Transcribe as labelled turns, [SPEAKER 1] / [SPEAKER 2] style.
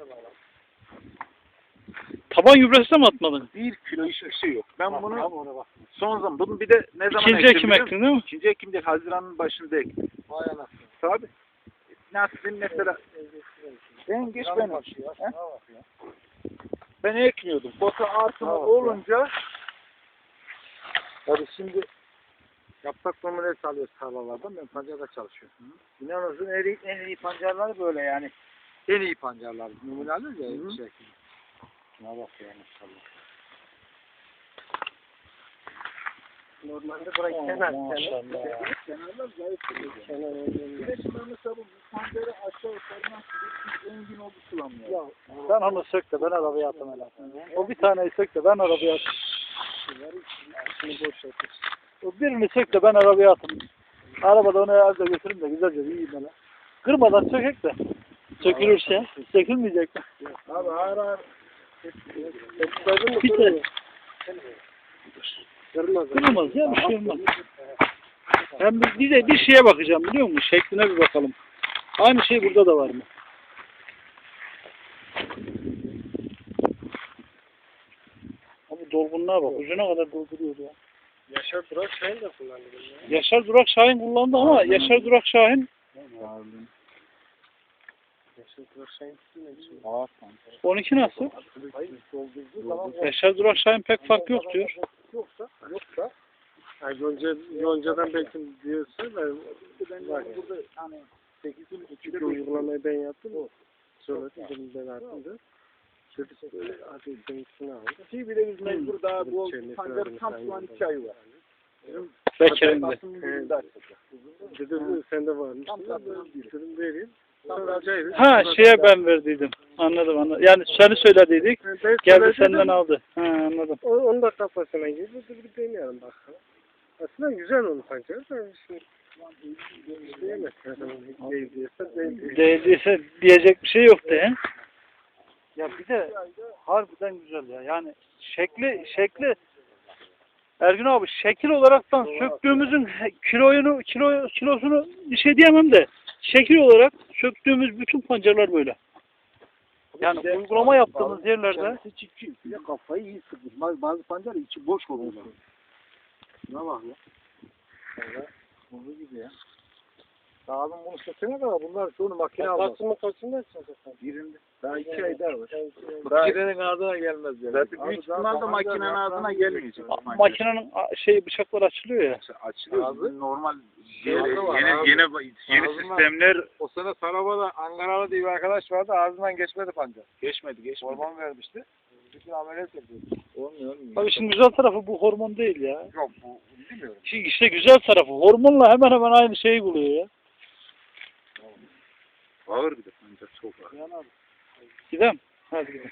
[SPEAKER 1] Taban gübresi de mi atmadın?
[SPEAKER 2] 1 kilo hiçbir şey yok. Ben bunu son zaman, bunu bir de ne zaman
[SPEAKER 1] İkinci ekim ektin değil mi?
[SPEAKER 2] İkinci ekim değil, Haziran'ın başında ektim.
[SPEAKER 3] Vay anasını.
[SPEAKER 2] Tabii. Nasılsın mesela? Ben geç benim. Ben ekmiyordum. Bota artımı olunca
[SPEAKER 3] Tabii şimdi yaprak numarası alıyoruz tarlalardan. Ben pancarda çalışıyorum. İnanırsın en iyi pancarlar böyle yani. En iyi pancarlar. Numune alıyoruz ya. Bir şekilde. Şuna bak ya maşallah. Normalde burayı kenar.
[SPEAKER 2] kenarlar zayıf duruyor. Bir de şimdi mesela bu pancarı aşağı yukarı nasıl bir engin oldu sulamıyor.
[SPEAKER 3] Sen onu sök de ben arabaya atayım hele. O bir taneyi sök de ben arabaya atayım. O birini sök de ben arabaya atayım. Arabada onu evde götürün de güzelce bir yiyeyim hele. Kırmadan sökek de.
[SPEAKER 1] Sökülürse.
[SPEAKER 3] Sökülmeyecek mi?
[SPEAKER 2] Abi ağır ağır.
[SPEAKER 3] Bir de
[SPEAKER 1] Kırılmaz ya, bir şey olmaz. Ben bir şeye bakacağım biliyor musun? Şekline bir bakalım. Aynı şey burada da var mı? Abi dolgunluğa bak. Ucuna kadar dolduruyor ya.
[SPEAKER 3] Yaşar Durak Şahin de kullandı bunu.
[SPEAKER 1] Yaşar Durak Şahin kullandı ama Yaşar Durak Şahin
[SPEAKER 3] Yaşar Durak Şahin ne biçim?
[SPEAKER 1] 12 nasıl?
[SPEAKER 3] Doldurduğu zaman
[SPEAKER 1] Yaşar Durak Şahin pek fark yok diyor.
[SPEAKER 3] yoksa yani Yonca'dan belki diyorsa ben var ya.
[SPEAKER 2] Burada hani 8'in
[SPEAKER 3] Çünkü uygulamayı ben yaptım. Söyledim bunu ben attım da. Çocuk böyle artık seninkisini aldı.
[SPEAKER 2] Şey bile biz mecbur daha bu pancarın tam şu an 2 ayı var.
[SPEAKER 1] Bekir'in de.
[SPEAKER 3] Dedim sende varmış. Dedim vereyim. Sonra acayip.
[SPEAKER 1] Ha şeye ben verdiydim. Anladım. Yani seni söylediydik. Geldi senden aldı. Ha anladım.
[SPEAKER 3] Onu da kafasına girdi. Bir deneyelim bakalım. Aslında güzel onun pancarı da şimdi diyemez.
[SPEAKER 1] Değdiyse diyecek bir şey yoktu he. Ya bir de harbiden güzel ya. Yani şekli Ergün abi şekil olaraktan söktüğümüzün kilosunu bir şey diyemem de şekil olarak söktüğümüz bütün pancarlar böyle. Yani uygulama yaptığımız yerlerde
[SPEAKER 2] Bir de kafayı iyi sıkmış. Bazı pancar içi boş oluyor. Ne bak ya. Bunun gibi ya. Lazım bunu sökene kadar bunlar şunu makine almaz.
[SPEAKER 3] Kaçında açacak?
[SPEAKER 2] Birinde. Daha 2 ay daha var.
[SPEAKER 3] Makinenin ağzına gelmez yani.
[SPEAKER 2] Zaten büyük ihtimalle makinenin ağzına gelmeyecek.
[SPEAKER 1] makinenin bıçaklar açılıyor ya.
[SPEAKER 2] Açılıyor. Normal
[SPEAKER 3] Yeni
[SPEAKER 2] sistemler
[SPEAKER 3] O sene Saraba'da Ankaralı diye bir arkadaş vardı. Ağzından geçmedi pancar.
[SPEAKER 2] geçmedi.
[SPEAKER 3] Hormon vermişti. Bütün ameliyat yapıyordu.
[SPEAKER 2] Olmuyor.
[SPEAKER 1] Abi şimdi güzel tarafı bu hormon değil ya.
[SPEAKER 3] Yok bu bilmiyorum.
[SPEAKER 1] Şimdi işte güzel tarafı hormonla hemen hemen aynı şeyi buluyor ya.
[SPEAKER 2] Ağır bir de pancar çok ağır.
[SPEAKER 1] Gidelim. Hadi gidelim.